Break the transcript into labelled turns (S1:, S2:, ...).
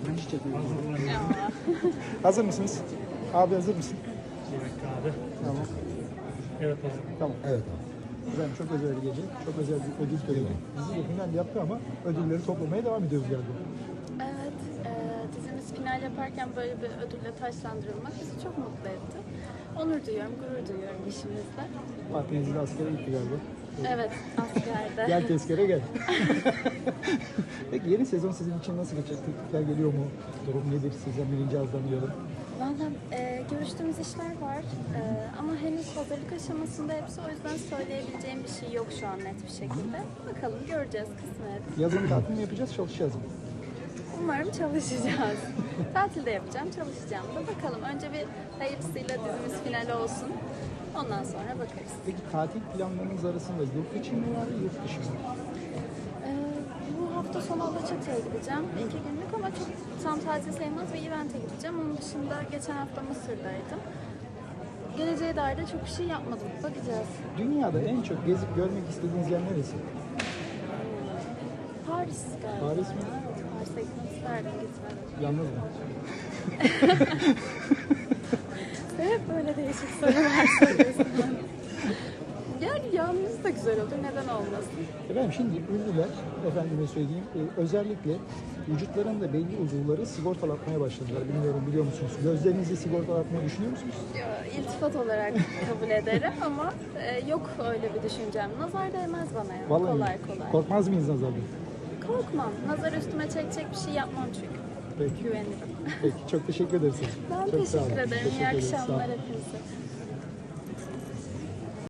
S1: Çiçek.
S2: Ya.
S1: Hazır mısınız? Abi hazır mısın?
S3: Bir dakika abi.
S1: Tamam.
S3: Evet hazır.
S1: Tamam.
S4: Evet abi.
S1: Ben çok özel bir gece, çok özel bir ödül töreni. Dizi de final yaptı ama ödülleri toplamaya devam ediyoruz galiba.
S2: Evet, dizimiz final yaparken böyle bir ödülle taçlandırılmak bizi çok mutlu etti. Onur duyuyorum, gurur duyuyorum işimizle.
S1: Partneriz de askere gitti galiba.
S2: Evet, askerde.
S1: Gel tezkere gel. Peki yeni sezon sizin için nasıl geçecek? Teklifler geliyor mu? Durum nedir? Sizden birinci ağızdan duyalım.
S2: Valla görüştüğümüz işler var ama henüz hazırlık aşamasında hepsi, o yüzden söyleyebileceğim bir şey yok şu an net bir şekilde. Bakalım, göreceğiz, kısmet.
S1: Yazın tatil mi yapacağız, çalışacağız mı?
S2: Umarım çalışacağız. Tatilde yapacağım, çalışacağım da bakalım. Önce bir hayırlısıyla dizimiz final olsun. Ondan sonra bakarız.
S1: Peki tatil planlarınız arasında yurt içi mi var, yurt dışı mı?
S2: Bu hafta sonu Alaçatı'ya gideceğim. 2 günlük ama çok tam tatil sayılmaz bir event'e gideceğim. Onun dışında geçen hafta Mısır'daydım. Geleceğe dair de çok bir şey yapmadım. Bakacağız.
S1: Dünyada en çok gezip görmek istediğiniz yer neresi?
S2: Paris galiba.
S1: Paris mi?
S2: Evet, Paris'e gitmek isterdim, gitmedim.
S1: Yalnız mı?
S2: Hep böyle değişik sorular soruyorsun. Yani yalnız da güzel olur, neden olmasın?
S1: Efendim şimdi ünlüler, efendime söyleyeyim, özellikle vücutlarında belli uzuvları sigortalatmaya başladılar. Bilmiyorum, biliyor musunuz? Gözlerinizi sigortalatmayı düşünüyor musunuz?
S2: İltifat olarak kabul ederim ama yok öyle bir düşüncem. Nazar değmez bana ya,
S1: Vallahi
S2: kolay kolay.
S1: korkmaz mıyız nazardan?
S2: Korkmam. Nazar üstüme çekecek bir şey yapmam çünkü.
S1: Peki.
S2: Güvenirim.
S1: Peki, çok teşekkür ederiz.
S2: Ben
S1: Çok sağ olun.
S2: teşekkür ederim. İyi
S1: Teşekkür ederiz, sağ olun.
S2: akşamlar hepinize.